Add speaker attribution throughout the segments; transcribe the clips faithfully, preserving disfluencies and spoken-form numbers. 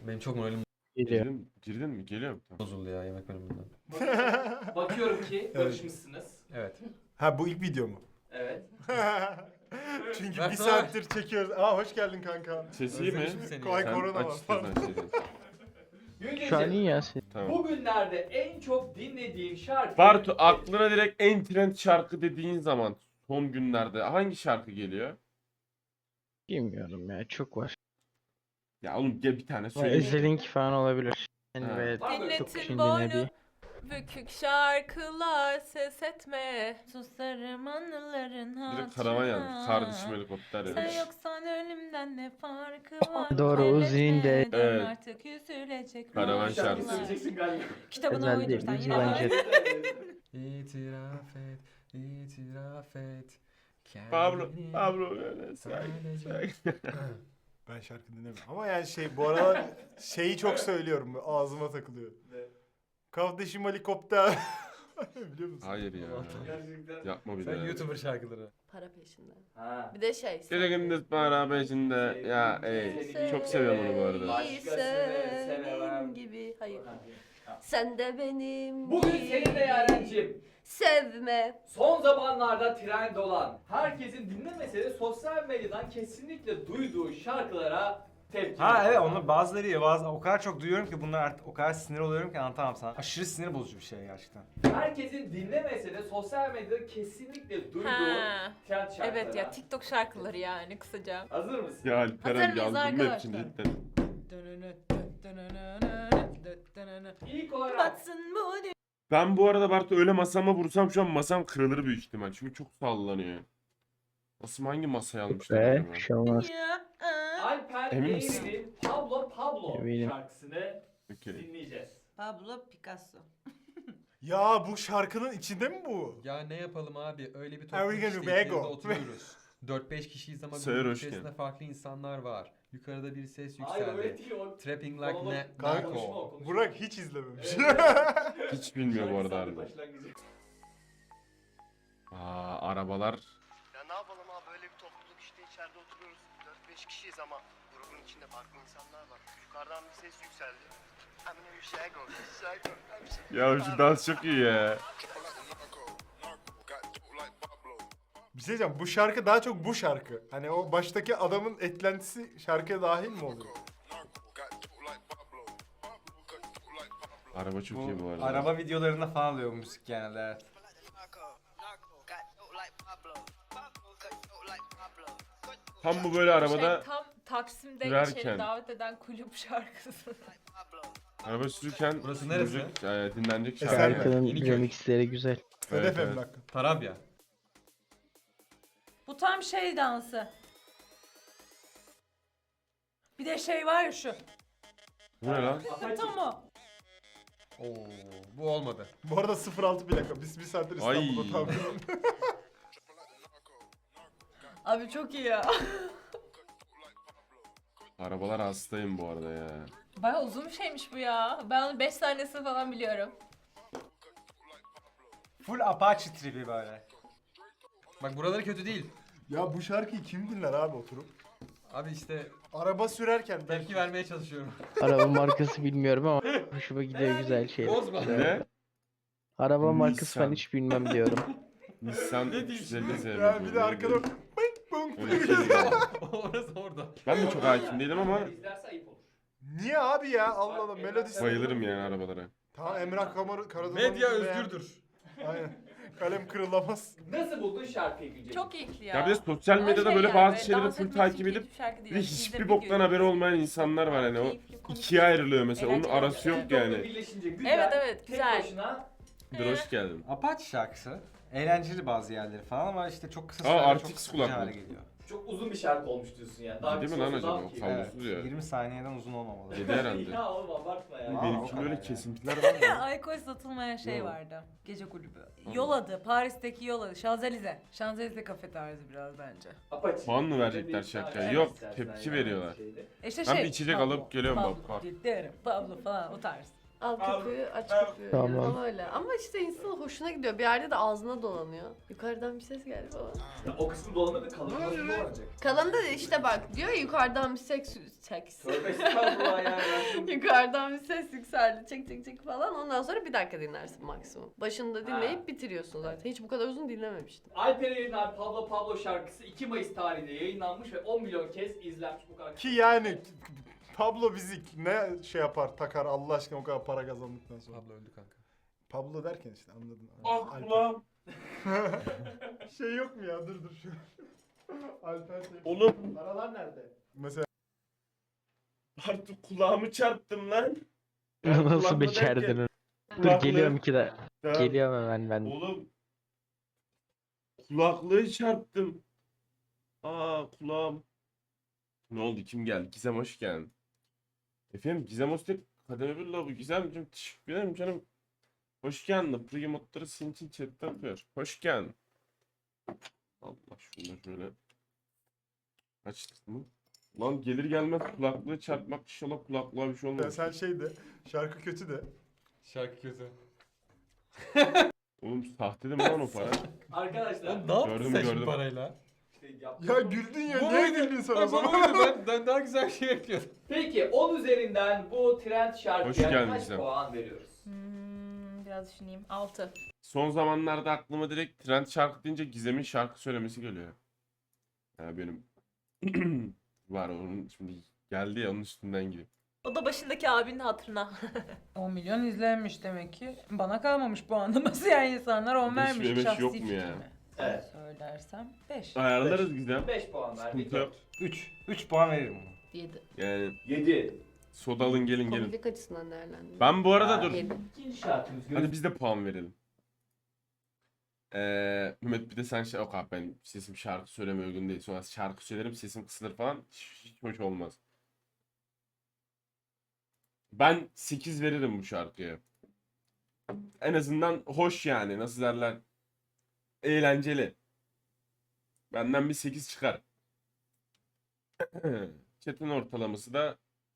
Speaker 1: Benim çok moralim
Speaker 2: Geliyor.
Speaker 3: Girdin, girdin mi? Geliyor mu? Tamam.
Speaker 1: bozuldu ya yemek bölümünden.
Speaker 4: Bakıyorum ki barışmışsınız.
Speaker 1: Evet.
Speaker 5: Ha bu ilk video mu?
Speaker 4: Evet.
Speaker 5: Çünkü
Speaker 1: Ver
Speaker 5: bir
Speaker 1: sana.
Speaker 5: saattir çekiyoruz. Aa hoş geldin kanka.
Speaker 3: Ses iyi mi?
Speaker 1: Özlemişim seni
Speaker 5: Kolay
Speaker 1: ya.
Speaker 5: korona
Speaker 3: Aç
Speaker 5: var.
Speaker 3: istiyorsan şeyden.
Speaker 2: Şu an iyi
Speaker 4: Günceciğim,
Speaker 2: ya sen.
Speaker 3: Tamam.
Speaker 4: bugünlerde en çok dinlediğin şarkı...
Speaker 3: Bartu aklına direkt en trend şarkı dediğin zaman son günlerde hangi şarkı geliyor?
Speaker 2: Bilmiyorum ya çok var.
Speaker 3: Ya oğlum gel bir tane
Speaker 2: Ama
Speaker 3: söyle.
Speaker 2: Özelink falan olabilir. Yani
Speaker 3: Ha.
Speaker 2: böyle
Speaker 4: Var mı?
Speaker 2: çok
Speaker 6: Dinletin
Speaker 2: kişinin
Speaker 6: boynu,
Speaker 2: dinlediği.
Speaker 6: bükük şarkılar ses etme. Susarım anıların
Speaker 3: Direkt karavan yazmış.
Speaker 6: hatırına.
Speaker 3: Kardeşim helikopter
Speaker 6: Sen
Speaker 3: yazmış.
Speaker 6: yoksan ölümden ne farkı var?
Speaker 2: Doğru,
Speaker 6: Elletme,
Speaker 2: Uzi'nin de-
Speaker 6: dön
Speaker 3: Evet.
Speaker 6: artık üzülecek
Speaker 3: Karavan
Speaker 6: mazlumlar.
Speaker 3: şarkısı.
Speaker 4: söyleyeceksin galiba.
Speaker 6: Kitabına
Speaker 2: Özel değil,
Speaker 6: uydursan
Speaker 2: Uzi
Speaker 6: yine
Speaker 2: bence.
Speaker 1: İtiraf et, itiraf et.
Speaker 3: Pablo,
Speaker 1: kendini
Speaker 3: Pablo öyle say.
Speaker 1: sadece-
Speaker 5: Ben şarkı dinlemiyorum. Ama yani şey bu aralar şeyi çok söylüyorum. Ağzıma takılıyor. Kardeşim helikopter. Biliyor musun?
Speaker 3: Hayır ya.
Speaker 4: Gerçekten.
Speaker 3: Yapma bir
Speaker 1: Sen
Speaker 3: daha.
Speaker 1: YouTuber şarkıları.
Speaker 7: Para peşinde.
Speaker 4: Ha.
Speaker 7: Bir de şey.
Speaker 3: Bir de gündüz para peşinde. Ya ey. Çok seviyorum onu bu arada.
Speaker 4: Başkasını sevemem.
Speaker 7: Senin gibi. Hayır. Sen de benim
Speaker 4: Bugün
Speaker 7: gibi.
Speaker 4: seninle Yaren'cim
Speaker 7: Sevme.
Speaker 4: son zamanlarda trend olan, herkesin dinlemese de sosyal medyadan kesinlikle duyduğu şarkılara tepki.
Speaker 8: Ha evet onu bazıları iyi bazı o kadar çok duyuyorum ki bunlar artık o kadar sinir oluyorum ki anlatamam sana. Aşırı sinir bozucu bir şey gerçekten.
Speaker 4: Herkesin dinlemese de sosyal medyada kesinlikle duyduğu
Speaker 6: Ha.
Speaker 4: trend şarkılara.
Speaker 6: Evet ya TikTok şarkıları yani kısaca.
Speaker 4: Hazır mısın?
Speaker 3: Ya
Speaker 6: Hazır
Speaker 3: Alperen
Speaker 6: mıyız
Speaker 3: yazdım hep
Speaker 6: arkadaşlar?
Speaker 3: şimdi cidden.
Speaker 4: İlk olarak
Speaker 6: Batsın bu dünya.
Speaker 3: Ben bu arada Bartu öyle masama vursam şu an masam kırılır büyük ihtimal. Çünkü çok sallanıyor. Nasıl hangi masaya almışlar
Speaker 2: Ve
Speaker 3: acaba?
Speaker 2: bir şey olmaz.
Speaker 4: Alper
Speaker 3: Emin misin?
Speaker 4: Eğri'nin Pablo Pablo
Speaker 2: Eminim.
Speaker 4: şarkısını
Speaker 3: Okey.
Speaker 4: dinleyeceğiz.
Speaker 6: Pablo Picasso.
Speaker 5: Ya bu şarkının içinde mi bu?
Speaker 1: Ya ne yapalım abi öyle bir
Speaker 5: Are we
Speaker 1: topluluk
Speaker 5: gonna
Speaker 1: işte
Speaker 5: be
Speaker 1: içinde
Speaker 5: go?
Speaker 1: oturuyoruz. dört beş kişiyiz ama
Speaker 3: Sayar
Speaker 1: grubun
Speaker 3: hoş
Speaker 1: içerisinde
Speaker 3: geldin.
Speaker 1: farklı insanlar var. Yukarıda bir ses
Speaker 4: Hayır öyle
Speaker 1: yükseldi.
Speaker 4: değil o.
Speaker 1: Trapping like
Speaker 4: Monolog-
Speaker 1: ne
Speaker 5: Kanka,
Speaker 4: konuşma o,
Speaker 1: Nako.
Speaker 4: konuşma.
Speaker 5: Burak hiç izlememiş.
Speaker 4: Evet.
Speaker 3: Hiç bilmiyor bu arada
Speaker 4: Şarkı
Speaker 3: harbi.
Speaker 4: başlangıcı.
Speaker 3: Aa arabalar.
Speaker 9: Ya ne yapalım abi böyle bir topluluk işte içeride oturuyoruz. dört beş kişiyiz ama grubun içinde farklı insanlar var. Yukarıdan bir ses yükseldi. Eminem Shago, Shago.
Speaker 3: Ya şu dans çok iyi ya.
Speaker 5: Bir şey diyeceğim. Bu şarkı daha çok bu şarkı. Hani o baştaki adamın eklentisi şarkıya dahil mi oluyor?
Speaker 3: Araba çok
Speaker 8: Bu
Speaker 3: iyi bu arada.
Speaker 8: araba videolarında falan oluyor bu müzik genelde evet.
Speaker 3: Tam bu böyle arabada
Speaker 6: Şey, tam Taksim'de
Speaker 3: sürerken.
Speaker 6: içeri davet eden kulüp şarkısı.
Speaker 3: araba sürürken
Speaker 1: Burası neresi?
Speaker 3: müzik, e, dinlenecek
Speaker 5: Eser
Speaker 3: şarkı.
Speaker 5: mi?
Speaker 2: Şarkının
Speaker 1: Yeniköy.
Speaker 2: remixleri güzel.
Speaker 3: Evet,
Speaker 5: Hedef
Speaker 3: evet.
Speaker 5: emlak.
Speaker 1: Tarabya.
Speaker 6: Bu tam şey dansı. Bir de şey var ya şu.
Speaker 3: Bu ne lan?
Speaker 6: Tam o.
Speaker 1: Oo bu olmadı.
Speaker 5: Bu arada sıfır altı plaka. Biz bir saattir
Speaker 3: Ay.
Speaker 5: İstanbul'da tam.
Speaker 6: Abi çok iyi ya.
Speaker 3: Arabalar hastayım bu arada ya.
Speaker 6: Baya uzun bir şeymiş bu ya. Ben onun beş tanesini falan biliyorum.
Speaker 8: Full Apache tribi böyle.
Speaker 1: Bak buraları kötü değil.
Speaker 5: Ya bu şarkıyı kim dinler abi oturup?
Speaker 1: Abi işte
Speaker 5: Araba sürerken belki.
Speaker 1: tepki vermeye çalışıyorum.
Speaker 2: Araba markası bilmiyorum ama hoşuma gidiyor güzel şeyler.
Speaker 1: Bozma.
Speaker 3: Ne?
Speaker 2: Araba markası
Speaker 3: Nissan.
Speaker 2: ben hiç bilmem diyorum.
Speaker 3: Nissan üç yüz elli Z.
Speaker 5: Ya bir de arkada bing bong.
Speaker 3: Öyle bir şey değil.
Speaker 1: Orası orada.
Speaker 3: Ben de çok hakim değilim ama
Speaker 4: İzlerse ayıp olur.
Speaker 5: Niye abi ya? Allah Allah melodisi.
Speaker 3: bayılırım yani arabalara.
Speaker 5: Tamam Emrah Kamar Karadağ'ın.
Speaker 1: Medya özgürdür.
Speaker 5: Aynen. Kalem kırılamaz.
Speaker 4: Nasıl buldun şarkıyı Güncel?
Speaker 6: Çok keyifli ya.
Speaker 3: Ya bir de sosyal
Speaker 6: Ama
Speaker 3: medyada
Speaker 6: şey
Speaker 3: böyle
Speaker 6: yani,
Speaker 3: bazı
Speaker 6: böyle
Speaker 3: şeyleri
Speaker 6: dans
Speaker 3: full
Speaker 6: etmek
Speaker 3: takip
Speaker 6: için
Speaker 3: edip
Speaker 6: keyifli şarkı değil.
Speaker 3: bir de
Speaker 6: Yani izle
Speaker 3: hiçbir
Speaker 6: video
Speaker 3: boktan haberi
Speaker 6: izle.
Speaker 3: olmayan insanlar var hani o
Speaker 6: Keyifli, konuşuyor.
Speaker 3: ikiye ayrılıyor mesela onun
Speaker 6: Eğlenceli
Speaker 3: arası yok
Speaker 4: TikTok'la
Speaker 3: yani.
Speaker 4: birleşince güzel.
Speaker 6: Evet, evet,
Speaker 4: tek
Speaker 6: güzel.
Speaker 4: başına
Speaker 3: Bir hoş geldin.
Speaker 8: Apache şarkısı. Eğlenceli bazı yerleri falan ama işte çok kısa
Speaker 3: Aa,
Speaker 8: sürede
Speaker 3: R T
Speaker 8: çok
Speaker 3: X
Speaker 8: sıkıcı hale
Speaker 3: kulaklık.
Speaker 8: geliyor.
Speaker 4: çok uzun bir şarkı olmuş diyorsun yani. Daha
Speaker 3: Değil mi
Speaker 4: kısa
Speaker 3: lan
Speaker 4: olsa
Speaker 3: acaba?
Speaker 4: daha
Speaker 3: O
Speaker 4: keyifli.
Speaker 3: kablosuz
Speaker 8: Evet,
Speaker 3: ya.
Speaker 8: yirmi saniyeden uzun olmamalı.
Speaker 3: Yedi herhalde.
Speaker 4: Ya oğlum abartma ya.
Speaker 8: Aa, o
Speaker 3: Benimki
Speaker 8: kadar
Speaker 3: böyle
Speaker 8: yani.
Speaker 3: kesintiler var mı?
Speaker 6: Alkol satılmayan şey
Speaker 3: Yok.
Speaker 6: vardı. Gece kulübü. Yol adı. Paris'teki yol adı. Şanzelize. Şanzelize kafe tarzı biraz bence.
Speaker 4: Apache.
Speaker 3: Puan mı verecekler
Speaker 4: Bir
Speaker 3: şarkıya?
Speaker 4: tane
Speaker 3: Yok,
Speaker 4: istersen
Speaker 3: tepki
Speaker 4: yani
Speaker 3: veriyorlar.
Speaker 4: şeyde.
Speaker 6: E İşte
Speaker 3: Ben
Speaker 6: şey.
Speaker 3: bir içecek
Speaker 6: Pablo,
Speaker 3: alıp geliyorum
Speaker 6: Pablo,
Speaker 3: bak, bak.
Speaker 6: Derim, Pablo falan o tarz.
Speaker 7: Al köpüğü, aç köpüğü.
Speaker 2: Tamam.
Speaker 7: Tam öyle. Ama işte insanın hoşuna gidiyor. Bir yerde de ağzına dolanıyor. Yukarıdan bir ses geldi falan.
Speaker 4: O kısmı dolanır da kalın nasıl dolanacak?
Speaker 7: Kalanında da işte bak diyor ya, yukarıdan bir seks... Seks.
Speaker 4: Tövbe estağfurullah yani. Ben-
Speaker 7: Yukarıdan bir ses yükseldi. Çek çek çek falan. Ondan sonra bir dakika dinlersin maksimum. Başında dinleyip
Speaker 4: Ha.
Speaker 7: bitiriyorsun zaten. Hiç bu kadar uzun dinlememiştim.
Speaker 4: Alper Erener Pablo Pablo şarkısı iki Mayıs tarihinde yayınlanmış ve on milyon kez izlenmiş bu kadar.
Speaker 5: Ki yani Pablo Bizik ne şey yapar takar Allah aşkına o kadar para kazandıktan sonra.
Speaker 1: Abla öldü kanka.
Speaker 5: Pablo derken işte anladın.
Speaker 3: Ah
Speaker 5: Alper.
Speaker 3: kulağım.
Speaker 5: Şey yok mu ya dur dur şu. Alper şey.
Speaker 3: Oğlum
Speaker 5: Aralar nerede? Mesela
Speaker 3: artık kulağımı çarptım lan.
Speaker 2: Nasıl
Speaker 3: kulaklığı
Speaker 2: becerdin
Speaker 3: derken-
Speaker 2: onu? Dur
Speaker 3: Kulaklığı-
Speaker 2: geliyorum iki de.
Speaker 3: Tamam.
Speaker 2: Geliyorum hemen ben.
Speaker 3: Oğlum. Kulaklığı çarptım. Aa kulağım. Ne oldu? Kim geldi? Gizem hoş geldin. Efendim Gizem hoş geldin. Kademe bir bu Gizemciğim teşekkür ederim canım. Hoş geldin. Pro modları senin için chatte yapıyor. Hoş geldin. Allah şunu da şöyle. Açtık mı? Lan gelir gelmez kulaklığı çarpmak inşallah kulaklığa bir şey olmaz.
Speaker 5: sen şey de şarkı kötü de.
Speaker 1: Şarkı kötü.
Speaker 3: Oğlum sahte de mi lan o para?
Speaker 4: Arkadaşlar.
Speaker 1: Oğlum ne yaptın
Speaker 3: Gördüm,
Speaker 1: sen
Speaker 3: gördüm.
Speaker 1: şimdi parayla?
Speaker 4: işte yaptım.
Speaker 5: Ya güldün ya
Speaker 1: Bu
Speaker 5: niye
Speaker 1: muydu?
Speaker 5: güldün sen o
Speaker 1: Bak, bu
Speaker 5: zaman?
Speaker 1: muydu? ben, ben daha güzel şey yapıyordum.
Speaker 4: Peki on üzerinden bu trend
Speaker 3: Hoş
Speaker 4: şarkıya
Speaker 3: geldin
Speaker 4: kaç
Speaker 3: Gizem.
Speaker 4: puan veriyoruz?
Speaker 6: Hmm, biraz düşüneyim. altı.
Speaker 3: Son zamanlarda aklıma direkt trend şarkı deyince Gizem'in şarkı söylemesi geliyor. Ya benim var onun şimdi geldi ya onun üstünden gideyim.
Speaker 7: O da başındaki abinin hatırına.
Speaker 6: on milyon izlenmiş demek ki. Bana kalmamış puanlaması yani insanlar on
Speaker 3: Beş
Speaker 6: vermiş.
Speaker 3: ve beş
Speaker 6: Şahsi
Speaker 3: yok mu
Speaker 6: fikrimi.
Speaker 3: ya?
Speaker 4: Evet.
Speaker 6: Söylersem beş.
Speaker 3: Ayarlarız Gizem.
Speaker 4: beş puan verdik.
Speaker 3: Sıkıntı yok.
Speaker 8: üç. üç puan veririm ona.
Speaker 7: yedi.
Speaker 3: Yani
Speaker 4: yedi.
Speaker 3: soda alın gelin gelin.
Speaker 7: Komiklik açısından değerlendim.
Speaker 3: Ben bu arada
Speaker 4: Ha,
Speaker 3: dur.
Speaker 7: yedi.
Speaker 4: İkinci şarkımız
Speaker 3: Hadi
Speaker 4: göz.
Speaker 3: biz de puan verelim. Ee, Mehmet bir de sen şey yok abi ben sesim şarkı söylemeye uygun değil. Sonra şarkı söylerim sesim kısılır falan. Hiç, hiç hoş olmaz. Ben sekiz veririm bu şarkıya. En azından hoş yani nasıl derler. Eğlenceli. Benden bir sekiz çıkar. Chat'in ortalaması da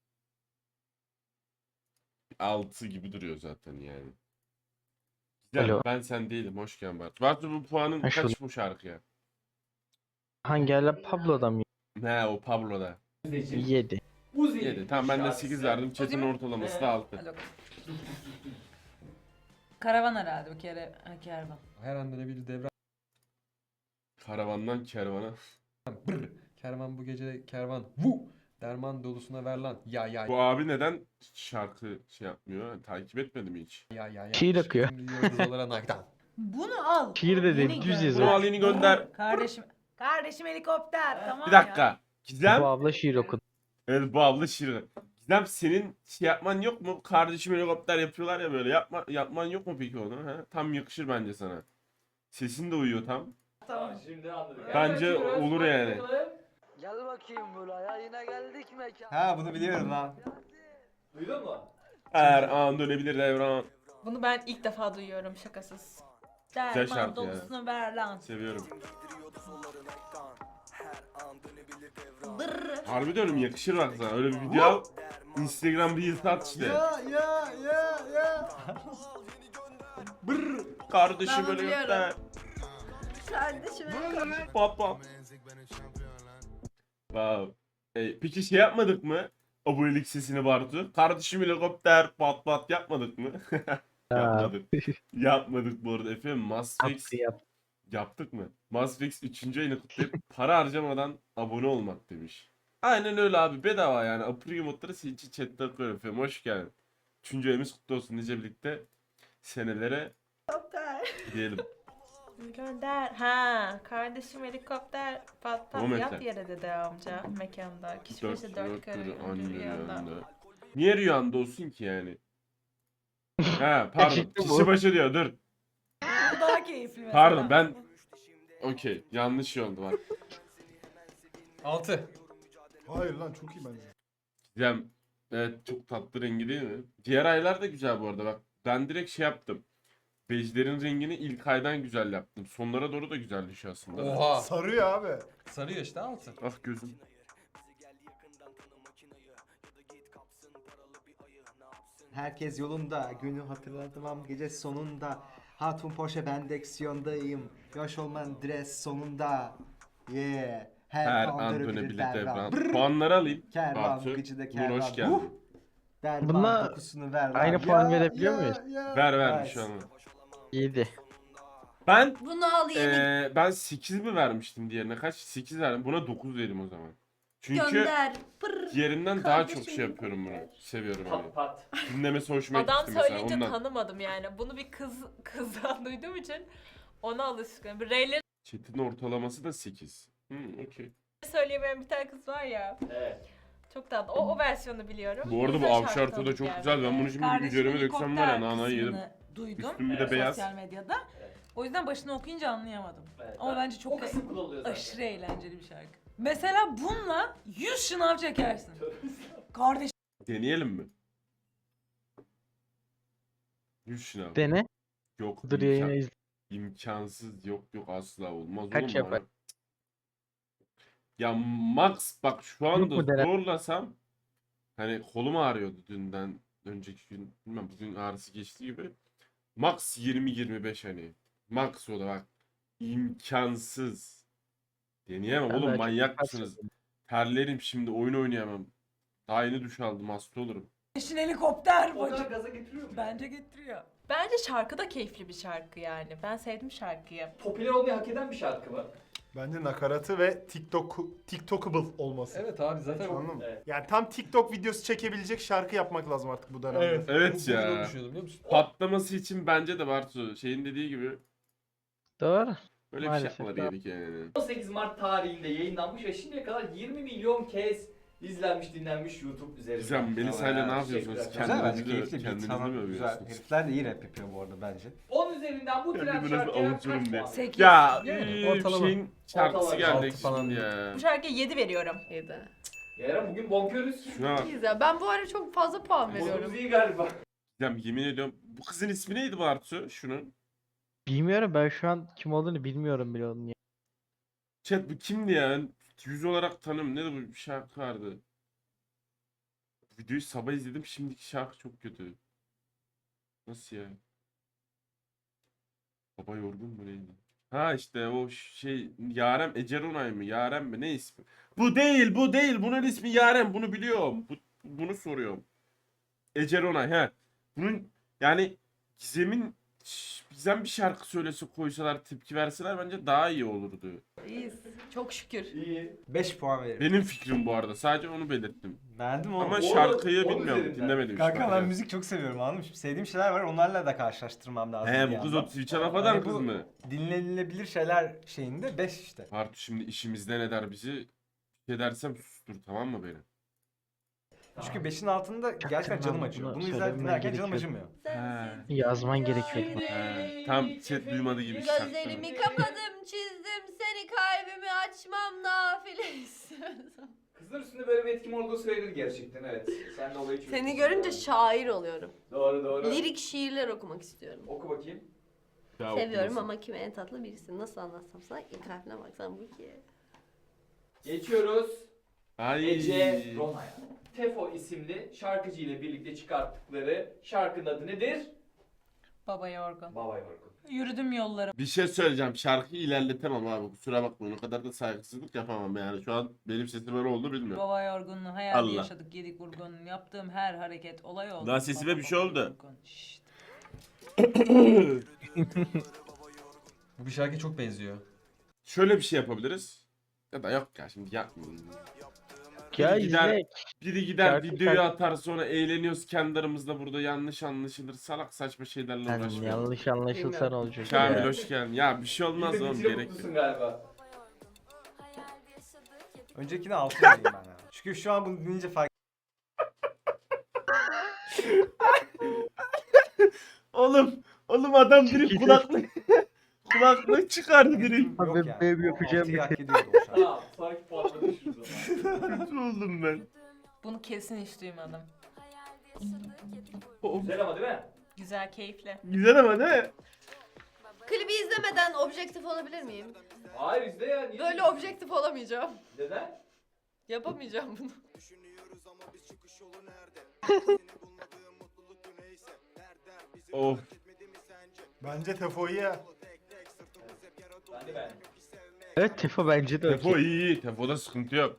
Speaker 3: altı gibi duruyor zaten yani. Güzel.
Speaker 2: Alo.
Speaker 3: Ben sen değilim. Hoş geldin Bartu. Bartu bu puanın
Speaker 2: Ha, şu-
Speaker 3: kaç bu şarkıya?
Speaker 2: Hangi hala Pablo'da mı?
Speaker 3: Ne o Pablo'da.
Speaker 2: yedi.
Speaker 4: Uzi.
Speaker 3: yedi. Tamam ben de
Speaker 4: şarkısı.
Speaker 3: sekiz verdim. Chat'in
Speaker 6: Uzi mi?
Speaker 3: ortalaması
Speaker 4: Ee,
Speaker 3: da altı.
Speaker 6: Hadi bakalım. Karavan herhalde bir kere. Ha, kervan.
Speaker 1: Her anda ne bir devran.
Speaker 3: Karavandan kervana.
Speaker 1: Brr. Kervan bu gece kervan. Vu. Derman dolusuna ver lan. Ya ya
Speaker 3: Bu abi neden şarkı şey yapmıyor? Takip etmedi mi hiç?
Speaker 1: ya ya ya.
Speaker 2: Şiir akıyor.
Speaker 1: Şimdi yıldız olarak nakdan.
Speaker 6: Bunu al.
Speaker 2: Şiir de değil,
Speaker 6: Yeni
Speaker 2: düz
Speaker 6: gel.
Speaker 2: yazıyor.
Speaker 3: Bunu al yeni gönder.
Speaker 6: Kardeşim. Kardeşim helikopter. Tamam
Speaker 3: Bir
Speaker 6: ya.
Speaker 3: dakika. Gizem.
Speaker 2: Bu abla şiir okudu.
Speaker 3: Evet bu abla şirin. Gizem senin şey yapman yok mu? Kardeşim helikopter yapıyorlar ya böyle. Yapma, yapman yok mu peki onu? He? Tam yakışır bence sana. Sesin de uyuyor tam.
Speaker 4: Tamam şimdi anladık.
Speaker 3: Bence
Speaker 4: Evet, açıyoruz.
Speaker 3: olur
Speaker 4: Bak
Speaker 3: yani.
Speaker 4: bakalım.
Speaker 10: Gel bakayım buraya yine geldik mekan.
Speaker 8: Ha bunu biliyorum lan.
Speaker 4: Duydun mu?
Speaker 3: Her an dönebilir devran.
Speaker 6: Bunu ben ilk defa duyuyorum şakasız.
Speaker 3: Güzel
Speaker 6: Derman
Speaker 3: şarkı ya.
Speaker 6: dolusunu ver lan.
Speaker 3: Seviyorum.
Speaker 6: Dırr.
Speaker 3: Harbi diyorum yakışır bak sana. Öyle bir video al. Instagram Reels at işte.
Speaker 5: Ya ya ya ya.
Speaker 3: Brr. Kardeşim
Speaker 7: Ben bunu
Speaker 3: helikopter.
Speaker 7: Kardeşim.
Speaker 3: Pop pop. Wow. E, peki şey yapmadık mı? Abonelik sesini Bartu. Kardeşim helikopter pat pat yapmadık mı? Yapmadık. Yapmadık bu arada efendim. Masfix
Speaker 2: Yaptı yap.
Speaker 3: yaptık mı? Masfix üçüncü ayını kutlayıp para harcamadan abone olmak demiş. Aynen öyle abi bedava yani. Apri modları senin için chatte koyuyorum efendim. Hoş geldin. Üçüncü ayımız kutlu olsun nice birlikte senelere diyelim.
Speaker 6: Gönder. Ha, kardeşim helikopter pat pat
Speaker 3: O
Speaker 6: yap
Speaker 3: mekan.
Speaker 6: yere dedi amca mekanda. Kişi
Speaker 3: Dört,
Speaker 6: başı dört
Speaker 3: dört
Speaker 6: karı
Speaker 3: karı
Speaker 6: önce
Speaker 3: anne
Speaker 6: rüyanda.
Speaker 3: rüyanda. Niye rüyanda olsun ki yani? Ha pardon.
Speaker 2: Çıktı bu.
Speaker 3: Kişi başı diyor dur.
Speaker 6: Bu daha keyifli mesela.
Speaker 3: Pardon ben okey yanlış şey oldu var.
Speaker 1: altı.
Speaker 5: Hayır lan çok iyi bence.
Speaker 3: Gizem evet çok tatlı rengi değil mi? Diğer aylar da güzel bu arada bak. Ben direkt şey yaptım. Bejlerin rengini ilk aydan güzel yaptım. Sonlara doğru da güzelleşiyor aslında.
Speaker 1: Oha.
Speaker 5: Sarıyor abi.
Speaker 1: Sarıyor işte altı.
Speaker 3: Ah gözüm.
Speaker 11: Herkes yolunda. Günü hatırlatmam gece sonunda. Hatun Porsche ben direksiyondayım. Yaş olman dres sonunda. Yeah. Her,
Speaker 3: Her
Speaker 11: an
Speaker 3: an
Speaker 11: dönebilir
Speaker 3: dönebilir
Speaker 11: devran.
Speaker 3: devran.
Speaker 11: Brrr.
Speaker 3: Puanları alayım.
Speaker 11: Kervan
Speaker 3: Bartu.
Speaker 11: bu gecede
Speaker 3: Uğur
Speaker 11: kervan.
Speaker 3: hoş geldin.
Speaker 11: Uh! Derman
Speaker 2: Bununla
Speaker 11: kokusunu ver lan.
Speaker 2: aynı puan
Speaker 11: Ya,
Speaker 2: verebiliyor
Speaker 11: ya,
Speaker 2: muyuz?
Speaker 11: ya.
Speaker 3: Ver ver bir
Speaker 11: Nice.
Speaker 3: şey olmaz.
Speaker 2: yedi.
Speaker 3: Ben
Speaker 7: Bunu al yemin.
Speaker 3: eee ben sekiz mi vermiştim diğerine? Kaç? sekiz verdim. Buna dokuz vereyim o zaman. Çünkü
Speaker 7: Gönder. Pırr.
Speaker 3: diğerinden daha çok
Speaker 7: Kardeşim.
Speaker 3: şey yapıyorum bunu. Seviyorum hani.
Speaker 4: Pat pat.
Speaker 3: Dinlemesi hoşuma gitti
Speaker 12: Adam
Speaker 3: mesela
Speaker 12: söyleyince
Speaker 3: ondan.
Speaker 12: tanımadım yani. Bunu bir kız kızdan duyduğum için ona alışkınım. Bir Ray'leri
Speaker 3: Chat'in ortalaması da sekiz. Hmm, okey.
Speaker 12: söyleyemeyen bir tane kız var ya.
Speaker 4: Evet.
Speaker 12: Çok tatlı. O, o versiyonu biliyorum.
Speaker 3: Bu arada bu
Speaker 12: Güzel şarkı
Speaker 3: avşarto da
Speaker 12: tanıdık
Speaker 3: çok
Speaker 12: yani.
Speaker 3: güzel. Ben bunu şimdi bir
Speaker 6: Kardeşim
Speaker 3: üzerime döksem var ya nanayı yedim.
Speaker 6: kısmını duydum.
Speaker 3: Üstüm bir de
Speaker 4: Evet.
Speaker 3: beyaz.
Speaker 6: Sosyal medyada. O yüzden başını okuyunca anlayamadım.
Speaker 4: Evet.
Speaker 6: Ama
Speaker 4: Ben-
Speaker 6: bence çok
Speaker 4: o kısım kullanılıyor zaten.
Speaker 6: aşırı eğlenceli bir şarkı. Mesela bununla yüz şınav çekersin. Kardeşim
Speaker 3: Deneyelim mi? yüz şınav.
Speaker 2: Dene.
Speaker 3: Yok
Speaker 2: Dur
Speaker 3: imkan-
Speaker 2: yayını izle.
Speaker 3: imkansız yok yok asla olmaz
Speaker 2: Kaç
Speaker 3: oğlum
Speaker 2: yapar?
Speaker 3: bana. Ya max bak şu
Speaker 2: Yok
Speaker 3: anda
Speaker 2: mu dene-
Speaker 3: zorlasam hani kolum ağrıyordu dünden önceki gün bilmem bugün ağrısı geçti gibi. Max yirmi yirmi beş hani. Max o da bak. İmkansız. Deneyemem
Speaker 2: Ben
Speaker 3: oğlum
Speaker 2: belki
Speaker 3: manyak
Speaker 2: birkaç
Speaker 3: mısınız? Terlerim şimdi oyun oynayamam. Daha yeni duş aldım hasta olurum.
Speaker 6: helikopter
Speaker 4: O kadar
Speaker 6: bacım.
Speaker 4: gaza getiriyor mu?
Speaker 6: Bence getiriyor.
Speaker 12: Bence şarkı da keyifli bir şarkı yani. Ben sevdim şarkıyı.
Speaker 4: Popüler olmayı hak eden bir şarkı mı?
Speaker 5: Bence nakaratı ve TikTok TikTokable olması.
Speaker 1: Evet abi zaten o...
Speaker 5: Anladın mı?
Speaker 4: Evet.
Speaker 5: Yani tam TikTok videosu çekebilecek şarkı yapmak lazım artık bu dönemde.
Speaker 1: Evet.
Speaker 3: Evet
Speaker 1: Bugün
Speaker 3: ya.
Speaker 1: onu düşünüyordum biliyor musun?
Speaker 3: Patlaması için bence de Bartu şeyin dediği gibi
Speaker 2: Doğru.
Speaker 3: böyle
Speaker 2: Maalesef,
Speaker 3: bir şey yapmaları
Speaker 2: tamam.
Speaker 3: gerek yani.
Speaker 4: on sekiz Mart tarihinde yayınlanmış ve şimdiye kadar yirmi milyon kez izlenmiş, dinlenmiş YouTube üzerinden.
Speaker 3: Güzel Melisa ile ne
Speaker 4: Aa,
Speaker 3: yapıyorsunuz?
Speaker 4: teşekkürler.
Speaker 8: Güzel bence
Speaker 3: Kendinizi,
Speaker 8: keyifli bir
Speaker 3: kendinizi
Speaker 8: tamam,
Speaker 3: mi
Speaker 8: güzel.
Speaker 3: övüyorsunuz?
Speaker 8: Herifler de iyi rap yapıyor bu arada bence.
Speaker 4: on üzerinden bu
Speaker 3: Ya
Speaker 4: trend
Speaker 3: bir biraz
Speaker 4: şarkıya
Speaker 3: avuturum
Speaker 4: kaç
Speaker 3: diye.
Speaker 4: puan?
Speaker 6: Sekiz.
Speaker 3: Ya
Speaker 1: Yani
Speaker 3: eee,
Speaker 1: ortalama.
Speaker 3: şeyin şarkısı
Speaker 4: Ortalama.
Speaker 3: geldi
Speaker 1: Altı falan.
Speaker 3: şimdi ya.
Speaker 12: Bu şarkıya yedi veriyorum.
Speaker 7: Yedi.
Speaker 4: Yaren bugün bonkörüz.
Speaker 3: Şuna bak.
Speaker 7: İyiyiz ya. Ben bu ara çok fazla puan
Speaker 4: Modumuz
Speaker 7: veriyorum.
Speaker 4: iyi galiba.
Speaker 3: Ya yemin ediyorum bu kızın ismi neydi Bartu? Şunun.
Speaker 2: Bilmiyorum ben şu an kim olduğunu bilmiyorum bile onun ya.
Speaker 3: Chat bu kimdi ya? Ben yüz olarak tanım. Ne de bu bir şarkı vardı. Videoyu sabah izledim. Şimdiki şarkı çok kötü. Nasıl ya? Baba yorgun mu neydi? Ha işte o şey Yarem Eceronay mı? Yarem mi? Ne ismi? Bu değil, bu değil. Bunun ismi Yarem. Bunu biliyorum. Bu, bunu soruyorum. Eceronay he. Bunun yani Gizem'in Gizem bir şarkı söylese koysalar tepki verseler bence daha iyi olurdu.
Speaker 7: İyiyiz. Çok şükür.
Speaker 4: İyi.
Speaker 8: beş puan veririm.
Speaker 3: Benim fikrim bu arada. Sadece onu belirttim.
Speaker 8: Beğendim oğlum.
Speaker 3: Ama
Speaker 4: on-
Speaker 3: şarkıyı
Speaker 4: on
Speaker 3: bilmiyorum.
Speaker 4: üzerinden.
Speaker 3: Dinlemedim.
Speaker 8: Kanka
Speaker 3: şarkıyı.
Speaker 8: ben müzik çok seviyorum anladın mı? Şimdi sevdiğim şeyler var onlarla da karşılaştırmam lazım.
Speaker 3: He
Speaker 8: bir
Speaker 3: bu kız
Speaker 8: yandan.
Speaker 3: o Twitch'e laf eden
Speaker 8: Yani
Speaker 3: kız
Speaker 8: bu
Speaker 3: mı?
Speaker 8: Dinlenilebilir şeyler şeyinde beş işte.
Speaker 3: Bartu şimdi işimizden eder bizi. Bir şey dersem sustur tamam mı beni?
Speaker 8: Çünkü beşin altında gerçekten canım
Speaker 2: Bunu
Speaker 8: acıyor. Bunu
Speaker 2: söylemem
Speaker 8: izler dinlerken canım
Speaker 2: gerekiyor.
Speaker 8: acımıyor.
Speaker 3: He.
Speaker 2: Yazman gerekiyor.
Speaker 3: He. Tam chat duymadı gibi şarkı.
Speaker 7: Gözlerimi kapadım çizdim seni kalbimi açmam nafile istiyorsam.
Speaker 4: Kızlar üstünde böyle bir etkim olduğu söylenir gerçekten evet. Sen de olayı çözmüşsün.
Speaker 7: Seni görünce
Speaker 4: Doğru.
Speaker 7: şair oluyorum.
Speaker 4: Doğru doğru.
Speaker 7: Lirik şiirler okumak istiyorum.
Speaker 4: Oku bakayım.
Speaker 3: Ya
Speaker 7: Seviyorum
Speaker 3: okumasın.
Speaker 7: ama kime en tatlı birisin. Nasıl anlatsam sana? İlk harfine baksan bu ki.
Speaker 4: Geçiyoruz.
Speaker 3: Ay.
Speaker 4: Ece Rona'ya. Tefo isimli şarkıcı ile birlikte çıkarttıkları şarkının adı nedir?
Speaker 6: Baba yorgun.
Speaker 4: Baba Yorgun.
Speaker 6: Yürüdüm yolları.
Speaker 3: Bir şey söyleyeceğim. Şarkıyı ilerletemem abi. Kusura bakmayın. O kadar da saygısızlık yapamam yani. Şu an benim sesim öyle oldu bilmiyorum.
Speaker 6: Baba yorgunluğu, hayalde
Speaker 3: Allah.
Speaker 6: yaşadık, yedik vurgun. Yaptığım her hareket olay oldu.
Speaker 3: Lan sesime
Speaker 6: Baba
Speaker 3: bir şey
Speaker 6: baba
Speaker 3: oldu.
Speaker 6: yorgun. Şşt.
Speaker 1: Bu bir şarkıya çok benziyor.
Speaker 3: Şöyle bir şey yapabiliriz. Ya da yok ya şimdi yapmayayım.
Speaker 2: Ya
Speaker 3: Biri gider,
Speaker 2: izle.
Speaker 3: biri gider
Speaker 2: Şarkı-
Speaker 3: videoyu
Speaker 2: şarkı-
Speaker 3: atar sonra eğleniyoruz kendi aramızda burada yanlış anlaşılır. Salak saçma şeylerle
Speaker 2: Sen
Speaker 3: uğraşmıyoruz.
Speaker 2: yanlış anlaşılsan olacak.
Speaker 3: Kamil
Speaker 2: ya.
Speaker 3: hoş geldin. Ya bir şey olmaz oğlum
Speaker 4: Bitirip
Speaker 3: gerek
Speaker 4: mutlusun
Speaker 3: yok.
Speaker 4: galiba.
Speaker 8: Öncekine altı vereyim ben ya. Çünkü şu an bunu dinleyince fark
Speaker 3: Oğlum, oğlum adam direkt kulaklık kulaklık çıkardı direkt.
Speaker 2: Abi
Speaker 8: yok yani.
Speaker 2: benim
Speaker 8: O
Speaker 2: yapacağım
Speaker 8: altıyı
Speaker 2: bir
Speaker 8: hak ediyordu o şarkı.
Speaker 4: Tamam sonraki puanla düşürüz o zaman.
Speaker 3: Kötü oldum ben.
Speaker 12: Bunu kesin hiç duymadım.
Speaker 4: Güzel ama değil mi?
Speaker 12: Güzel, keyifli.
Speaker 3: Güzel ama değil mi?
Speaker 7: Klibi izlemeden objektif olabilir miyim?
Speaker 4: Hayır izle ya. Niye?
Speaker 7: Böyle objektif olamayacağım.
Speaker 4: Neden?
Speaker 7: Yapamayacağım bunu.
Speaker 3: Of.
Speaker 5: Bence Tefo iyi ya.
Speaker 4: Ben de beğendim.
Speaker 2: Evet Tefo bence de
Speaker 3: Tefo
Speaker 2: okey.
Speaker 3: iyi iyi. Tefo'da sıkıntı yok.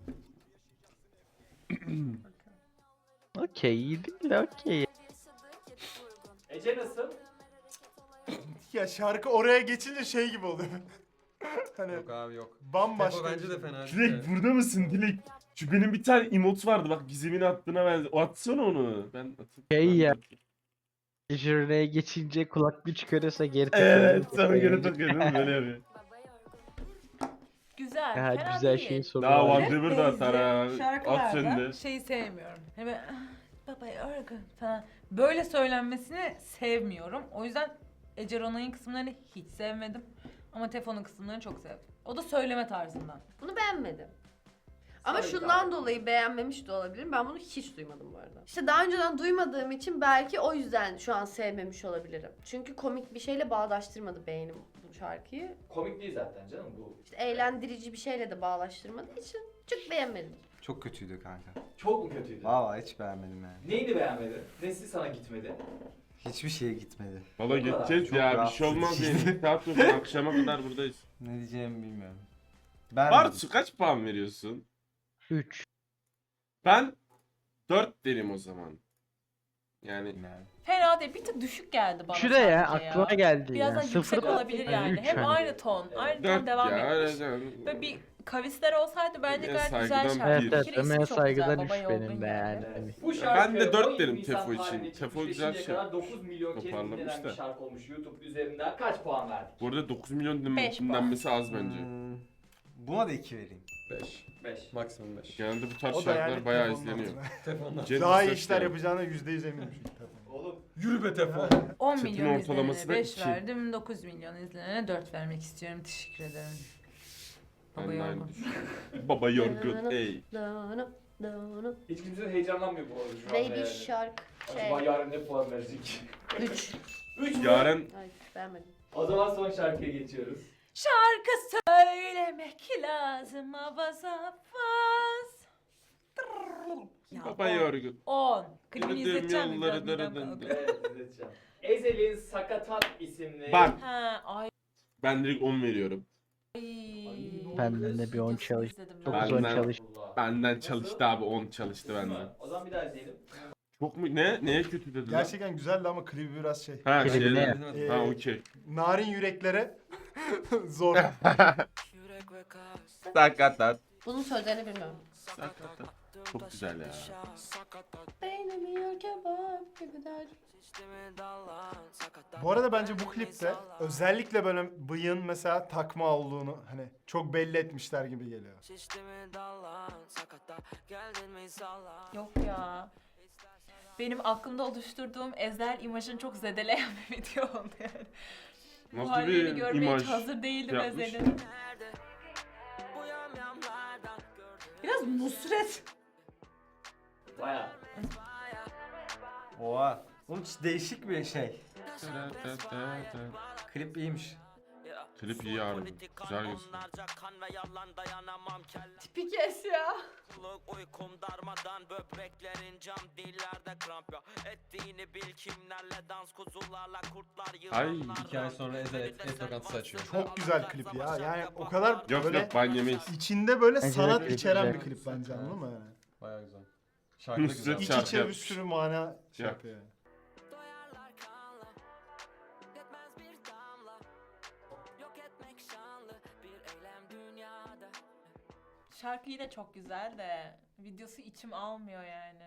Speaker 2: Okey iyi değil de okey.
Speaker 4: Ece nasıl?
Speaker 5: Ya şarkı oraya geçince şey gibi oluyor. hani
Speaker 1: Yok abi yok.
Speaker 5: bambaşka.
Speaker 1: Tefo bence
Speaker 5: bir
Speaker 1: de
Speaker 5: şey.
Speaker 1: fena değil.
Speaker 3: Dilek burada mısın Dilek? Şu benim bir tane emot vardı bak Gizem'in attığına benziyor. O atsana onu. Ben atıp.
Speaker 2: Şey
Speaker 3: ben
Speaker 2: ya.
Speaker 3: bakayım.
Speaker 2: Jürneye geçince kulaklığı çıkarırsa geri
Speaker 3: Evet
Speaker 2: takılıyor.
Speaker 3: sana göre takıyorum böyle yapıyor.
Speaker 12: Güzel.
Speaker 2: Ya
Speaker 12: fena
Speaker 2: güzel
Speaker 12: değil.
Speaker 2: şeyin sonu
Speaker 3: Daha
Speaker 2: var.
Speaker 3: One River da atar ha. At
Speaker 6: Şarkılarda
Speaker 3: sen de.
Speaker 6: şeyi sevmiyorum. Hani böyle, "Ah, baba yorgun" falan. Böyle söylenmesini sevmiyorum. O yüzden Ece Ronay'ın kısımlarını hiç sevmedim. Ama Tefo'nun kısımlarını çok sevdim. O da söyleme tarzından.
Speaker 7: Bunu beğenmedim. Ama
Speaker 4: Sarı
Speaker 7: şundan
Speaker 4: kahve.
Speaker 7: dolayı beğenmemiş de olabilirim. Ben bunu hiç duymadım bu arada. İşte daha önceden duymadığım için belki o yüzden şu an sevmemiş olabilirim. Çünkü komik bir şeyle bağdaştırmadı beynim bu şarkıyı.
Speaker 4: Komik değil zaten canım bu.
Speaker 7: İşte eğlendirici bir şeyle de bağlaştırmadığı için çok beğenmedim.
Speaker 11: Çok kötüydü kanka.
Speaker 4: Çok mu kötüydü?
Speaker 11: Vallahi hiç beğenmedim yani.
Speaker 4: Neyini beğenmedin? Nesi sana gitmedi?
Speaker 11: Hiçbir şeye gitmedi.
Speaker 3: Valla geçeceğiz
Speaker 11: Çok
Speaker 3: ya bir
Speaker 11: rahatsız
Speaker 3: şey olmaz
Speaker 11: edici.
Speaker 3: yani. Saat yok akşama kadar buradayız.
Speaker 11: Ne diyeceğimi bilmiyorum. Ben
Speaker 3: Bartu kaç puan veriyorsun?
Speaker 2: üç.
Speaker 3: Ben dört derim o zaman. Yani
Speaker 11: yani.
Speaker 12: Fena değil. Bir tık düşük geldi bana
Speaker 2: Şuraya
Speaker 12: sadece
Speaker 2: aklıma geldi
Speaker 12: Biraz
Speaker 2: ya.
Speaker 12: daha yüksek
Speaker 2: Sıfır
Speaker 12: olabilir yani.
Speaker 2: üç
Speaker 12: Hem
Speaker 2: hani.
Speaker 12: aynı ton. Aynı ton
Speaker 3: dört
Speaker 12: devam
Speaker 3: ya.
Speaker 12: etmiş.
Speaker 3: öyle-
Speaker 12: Böyle bir kavisler olsaydı bence
Speaker 3: Emeğe
Speaker 12: gayet güzel
Speaker 3: saygıdan
Speaker 12: şarkı.
Speaker 3: bir.
Speaker 2: Evet evet
Speaker 12: Bir kere
Speaker 2: emeğe
Speaker 12: ismi çok güzel,
Speaker 2: saygıdan
Speaker 12: Baba
Speaker 2: üç
Speaker 12: Yorgun
Speaker 2: benim de yani. Hani.
Speaker 4: Bu
Speaker 3: Ben
Speaker 4: şarkı
Speaker 3: de dört
Speaker 4: on
Speaker 3: derim
Speaker 4: Nisan
Speaker 3: Tefo için.
Speaker 4: tarihinde
Speaker 3: Tefo
Speaker 4: çıkmış ve
Speaker 3: güzel
Speaker 4: şimdiye
Speaker 3: şey.
Speaker 4: kadar dokuz milyon kez
Speaker 3: Toparlamış
Speaker 4: dinlenen bir
Speaker 3: da.
Speaker 4: şarkı olmuş YouTube üzerinden. Kaç puan verdik?
Speaker 3: Bu arada dokuz milyon din-
Speaker 12: Beş puan.
Speaker 3: dinlenmesi az bence.
Speaker 11: Hmm, buna da iki vereyim.
Speaker 1: beş.
Speaker 4: beş.
Speaker 1: Maksimum beş.
Speaker 3: Genelde bu tarz
Speaker 5: O da
Speaker 3: şarkılar
Speaker 5: yani
Speaker 3: bayağı
Speaker 5: Tefo'nun
Speaker 3: izleniyor.
Speaker 5: altında.
Speaker 1: Tefo'ndan.
Speaker 3: Cem
Speaker 5: Daha iyi
Speaker 3: Yılmaz
Speaker 5: işler
Speaker 3: yani.
Speaker 5: yapacağına yüzde yüz eminim çünkü Tefo.
Speaker 4: Oğlum
Speaker 1: Yürü be Tefo.
Speaker 6: on
Speaker 3: Chat'in
Speaker 6: milyon
Speaker 3: ortalaması
Speaker 6: izlenene
Speaker 3: da
Speaker 6: beş
Speaker 3: iki.
Speaker 6: verdim. dokuz milyon izlenene dört vermek istiyorum. Teşekkür ederim.
Speaker 3: Ben
Speaker 6: Baba
Speaker 3: de aynı
Speaker 6: yorgun.
Speaker 3: düşünüyorum. Baba yorgun ey.
Speaker 7: Dağını, dağını.
Speaker 4: hiç kimse heyecanlanmıyor bu arada şu anda
Speaker 7: Baby
Speaker 4: yani.
Speaker 7: Shark
Speaker 4: Acaba
Speaker 7: şey.
Speaker 4: yarın ne puan verecek?
Speaker 7: üç.
Speaker 4: üç mü?
Speaker 3: Yaren
Speaker 7: Ay beğenmedim.
Speaker 4: O zaman son şarkıya geçiyoruz.
Speaker 6: Şarkı söylemek lazım avaz avaz. Ya
Speaker 3: baba
Speaker 6: on.
Speaker 3: yorgun.
Speaker 6: on. Klibini
Speaker 3: Yürüdüğüm
Speaker 6: izleteceğim mi?
Speaker 3: yolları
Speaker 6: Biraz midem
Speaker 3: dırı
Speaker 6: kalktı.
Speaker 3: dırı.
Speaker 4: Evet izleteceğim. Ezel'in Sakatat isimli...
Speaker 3: Bak
Speaker 12: Ha, ay.
Speaker 3: ben direkt on veriyorum.
Speaker 2: Benden de bir on çalış.
Speaker 12: izledim ben.
Speaker 2: Dokuz on
Speaker 3: Benden-
Speaker 2: çalış.
Speaker 4: Allah.
Speaker 3: Benden çalıştı abi on çalıştı
Speaker 4: Değil mi?
Speaker 3: benden.
Speaker 4: O zaman bir daha izleyelim.
Speaker 3: Çok mu ne neye kötü dedin lan?
Speaker 5: Gerçekten güzeldi ama klibi biraz şey.
Speaker 3: Ha
Speaker 2: Klibine
Speaker 3: şeyler.
Speaker 2: ya.
Speaker 5: Ee,
Speaker 3: Ha okey.
Speaker 5: Narin yüreklere zor.
Speaker 3: Sakatat.
Speaker 7: Bunun sözlerini bilmiyorum.
Speaker 3: Sakatat. Çok güzel ya.
Speaker 7: Beynimi yer kebap gibi der.
Speaker 5: Bu arada bence bu klipte özellikle böyle bıyığın mesela takma olduğunu hani çok belli etmişler gibi geliyor.
Speaker 12: Yok ya. Benim aklımda oluşturduğum Ezel imajını çok zedeleyen bir video oldu yani. Bu
Speaker 3: Nasıl
Speaker 12: halini
Speaker 3: bir
Speaker 12: görmeye
Speaker 3: imaj
Speaker 12: hiç hazır değildim
Speaker 3: yapmış?
Speaker 12: Ezel'in.
Speaker 6: Biraz Nusret.
Speaker 4: Baya.
Speaker 11: Oha. Oğlum hiç değişik bir şey. Klip iyiymiş.
Speaker 3: Klip iyi harbi. Güzel gösteriyor.
Speaker 7: Tipi kes ya.
Speaker 3: Ay.
Speaker 1: İki ay sonra Ezel et, et lokantası açıyor.
Speaker 5: Çok güzel klip ya. Yani o kadar
Speaker 3: Yok
Speaker 5: böyle
Speaker 3: yok ban yemeyiz.
Speaker 5: içinde böyle
Speaker 2: Bence de
Speaker 5: sanat
Speaker 2: klip
Speaker 5: içeren
Speaker 2: güzel.
Speaker 5: bir klip bence anladın mı yani?
Speaker 1: Baya güzel. Şarkı da güzel.
Speaker 3: Nusret
Speaker 5: İç
Speaker 3: şarkı
Speaker 5: içe bir
Speaker 3: yapmış.
Speaker 5: sürü mana şey
Speaker 3: Yap.
Speaker 5: yapıyor yani.
Speaker 12: Şarkı yine çok güzel de videosu içim almıyor yani.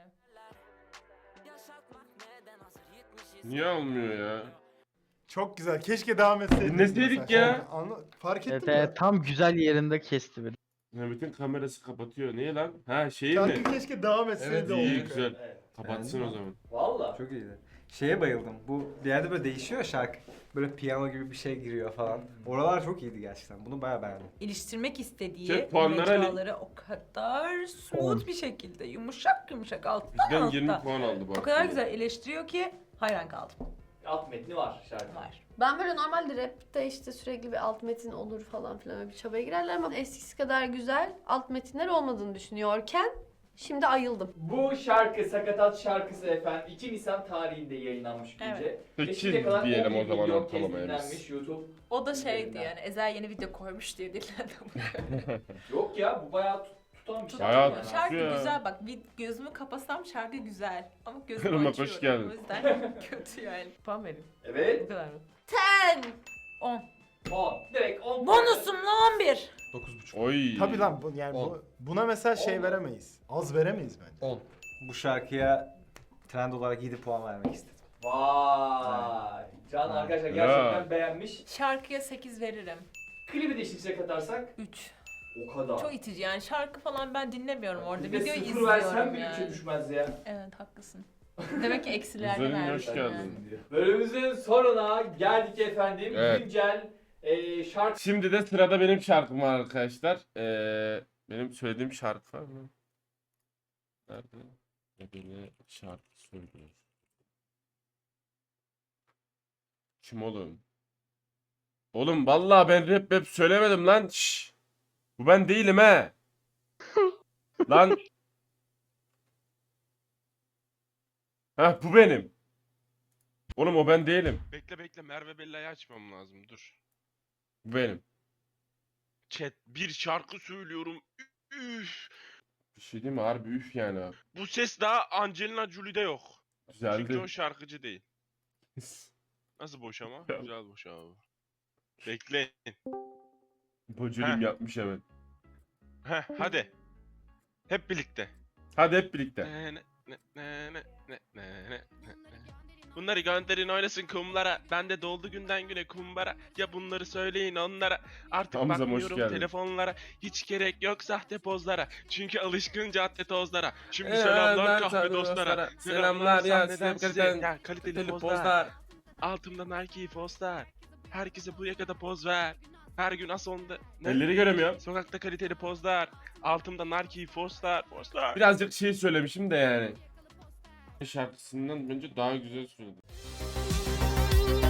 Speaker 3: Niye olmuyor ya?
Speaker 5: Çok güzel. Keşke devam etseydik.
Speaker 3: Dinleseydik
Speaker 5: mesela.
Speaker 3: ya.
Speaker 5: Anla, fark
Speaker 2: Evet,
Speaker 5: ettin mi?
Speaker 2: evet, tam güzel yerinde kesti bir.
Speaker 3: Mehmet'in kamerası kapatıyor. Niye lan? Ha şeyi
Speaker 5: Şarkı
Speaker 3: mi?
Speaker 5: keşke devam etseydi.
Speaker 1: Evet,
Speaker 5: olduk
Speaker 3: İyi
Speaker 5: yani.
Speaker 3: güzel.
Speaker 4: Evet.
Speaker 3: Kapatsın o zaman.
Speaker 4: Valla.
Speaker 11: Çok iyiydi. Şeye bayıldım. Bu bir yerde böyle değişiyor şarkı. Böyle piyano gibi bir şey giriyor falan. Oralar çok iyiydi gerçekten. Bunu bayağı beğendim.
Speaker 6: İliştirmek istediği
Speaker 3: Şey, puanları hani-
Speaker 6: mecraları o kadar smooth bir şekilde yumuşak yumuşak alttan
Speaker 3: Bizden yirmi
Speaker 6: altta.
Speaker 3: puan aldı bu
Speaker 6: O kadar güzel eleştiriyor ki hayran kaldım.
Speaker 4: Alt metni var şarkı.
Speaker 6: Var.
Speaker 7: Ben böyle normalde rapte işte sürekli bir alt metin olur falan filan öyle bir çabaya girerler ama eskisi kadar güzel alt metinler olmadığını düşünüyorken Şimdi ayıldım.
Speaker 4: Bu şarkı Sakatat şarkısı efendim iki Nisan tarihinde yayınlanmış gece.
Speaker 12: Evet.
Speaker 3: Sekiz
Speaker 4: Ve şimdiye kadar
Speaker 3: diyelim
Speaker 4: on bir
Speaker 3: o zaman
Speaker 4: milyon kez
Speaker 3: ortalamaya biz.
Speaker 4: dinlenmiş YouTube.
Speaker 12: O da şeydi
Speaker 4: üzerinden.
Speaker 12: yani Ezel yeni video koymuş diye dinledim.
Speaker 4: Yok ya bu bayağı tut- tutan bir şarkı.
Speaker 3: Bayağı
Speaker 4: yani.
Speaker 12: Şarkı
Speaker 3: Ya.
Speaker 12: güzel bak bir gözümü kapasam şarkı güzel ama
Speaker 3: Irmak,
Speaker 12: gözümü
Speaker 3: hoş
Speaker 12: açıyorum
Speaker 3: geldin.
Speaker 12: o yüzden kötü yani. Puan verin. Bu
Speaker 4: Evet.
Speaker 12: kadar mı?
Speaker 7: Ten.
Speaker 6: on.
Speaker 4: on. Direkt on.
Speaker 6: Bonusumla on bir.
Speaker 1: dokuz buçuk.
Speaker 3: Oy.
Speaker 5: Tabii lan bu, yani bu,
Speaker 1: On.
Speaker 5: buna mesela şey
Speaker 4: On.
Speaker 5: veremeyiz. Az veremeyiz bence.
Speaker 1: on.
Speaker 8: Bu şarkıya trend olarak yedi puan vermek istedim.
Speaker 4: Vay. Can arkadaşlar
Speaker 3: Ya.
Speaker 4: gerçekten beğenmiş.
Speaker 12: Şarkıya sekiz veririm.
Speaker 4: Klibi de işinize katarsak
Speaker 12: üç.
Speaker 4: o kadar.
Speaker 12: Çok itici yani şarkı falan ben dinlemiyorum orada.
Speaker 4: Bir de
Speaker 12: Videoyu
Speaker 4: sıfır versen
Speaker 12: izliyorum
Speaker 4: bir üçe
Speaker 12: yani.
Speaker 4: düşmez ya.
Speaker 12: Evet haklısın. Demek ki eksilerde
Speaker 3: Güzelim,
Speaker 12: vermiş.
Speaker 3: hoş geldin.
Speaker 4: Bölümümüzün sonuna geldik efendim.
Speaker 3: Evet.
Speaker 4: Güncel e, şarkı
Speaker 3: Şimdi de sırada benim şarkım var arkadaşlar. Ee, benim söylediğim şarkı var mı? Nerede? Ne böyle şarkı söylüyor. Kim oğlum? Oğlum vallahi ben rap rap söylemedim lan. Şşş. Bu ben değilim he. Lan. Heh bu benim. Oğlum o ben değilim.
Speaker 13: Bekle bekle Merve Bella'yı açmam lazım dur.
Speaker 3: Bu benim.
Speaker 13: Chat bir şarkı söylüyorum. Üf.
Speaker 3: Bir şey değil mi? Harbi üf yani abi.
Speaker 13: Bu ses daha Angelina Jolie'de yok. Çünkü
Speaker 3: Güzeldi.
Speaker 13: o şarkıcı değil. Nasıl boş ama?
Speaker 3: Ya.
Speaker 13: Güzel boş abi. Bekleyin.
Speaker 3: Boculim
Speaker 13: Heh.
Speaker 3: yapmış evet.
Speaker 13: Heh hadi. Hep birlikte.
Speaker 3: Hadi hep birlikte.
Speaker 13: Ne, ne, ne, ne, ne, ne, ne, ne. Bunları gönderin oynasın kumlara. Ben de doldu günden güne kumbara. Ya bunları söyleyin onlara. Artık
Speaker 3: Hamza, hoş
Speaker 13: bakmıyorum
Speaker 3: geldin.
Speaker 13: telefonlara. Hiç gerek yok sahte pozlara. Çünkü alışkın cadde tozlara. Şimdi
Speaker 3: Ee,
Speaker 13: selamlar
Speaker 3: ben
Speaker 13: kahve
Speaker 3: tabii
Speaker 13: dostlara.
Speaker 3: dostlara. Selamlar ya,
Speaker 13: sahneden
Speaker 3: size
Speaker 13: size.
Speaker 3: kaliteli-
Speaker 13: Ya kaliteli
Speaker 3: Kaliteli
Speaker 13: pozlar.
Speaker 3: pozlar.
Speaker 13: Altımda Nike postlar. Herkese bu yakada poz ver. Her gün asonda. Ne?
Speaker 3: Elleri göremiyorum.
Speaker 13: Sokakta kaliteli pozlar. Altımda Nike postlar. Postlar.
Speaker 3: Birazcık şey söylemişim de yani. Şarkısından bence daha güzel söyledim.